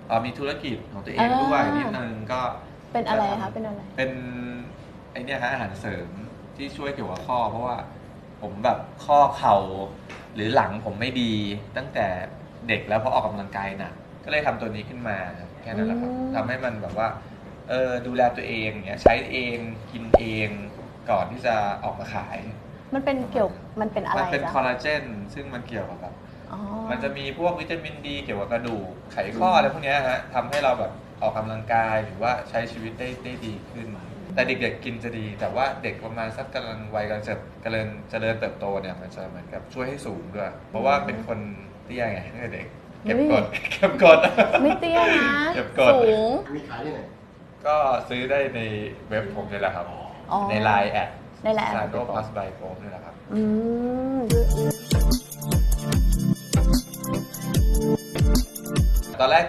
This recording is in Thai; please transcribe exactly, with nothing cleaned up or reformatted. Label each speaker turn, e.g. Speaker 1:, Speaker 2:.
Speaker 1: อ๋อมีธุรกิจของตัวเองด้วยนิดนึงก็
Speaker 2: เป็นอะไรคะเป็นอะไร
Speaker 1: เป็นไอเนี้ยฮะอาหารเสริมที่ช่วยเกี่ยวกับข้อเพราะว่าผมแบบข้อเข่าหรือหลังผมไม่ดีตั้งแต่เด็กแล้วพอออกกำลังกายหนักก็เลยทำตัวนี้ขึ้นมาแค่นั้นแหละครับทำให้มันแบบว่าเออดูแลตัวเองเนี้ยใช้เองกินเองก่อนที่จะออกมาขาย
Speaker 2: มันเป็นเกี่ยวมันเป็นอะไร
Speaker 1: มันเป็น
Speaker 2: จ๊ะ
Speaker 1: คอลลาเจนซึ่งมันเกี่ยวกับแบบ
Speaker 2: อ๋อ
Speaker 1: มันจะมีพวกวิตามินดีเกี่ยวกับกระดูกไขข้ออะไรพวกเนี้ยฮะทำให้เราแบบออกกำลังกายหรือว่าใช้ชีวิตได้ได้ดีขึ้น แต่เด็กๆกินจะดี แต่ว่าเด็กประมาณสักกำลังวัยกำลังจะเจริญเจริญเติบโตเนี่ยมันจะเหมือนกับช่วยให้สูงด้วย เพราะว่าเป็นคนเตี้ยไงตั้งแต่เด็กเก็บกดเก็บกด
Speaker 2: ไม่เตี้ยนะ
Speaker 1: เก็บกด
Speaker 2: สูง
Speaker 3: มีขายที่ไหน
Speaker 1: ก็ซื้อได้ในเว็บผมนี่แหละครับ
Speaker 2: อ๋อ
Speaker 1: ในไลน์แอด
Speaker 2: ในไลน์แอด
Speaker 1: ซาโดพลัสไบโฟนี่แหละครับ
Speaker 2: อืม
Speaker 1: ตอนแรก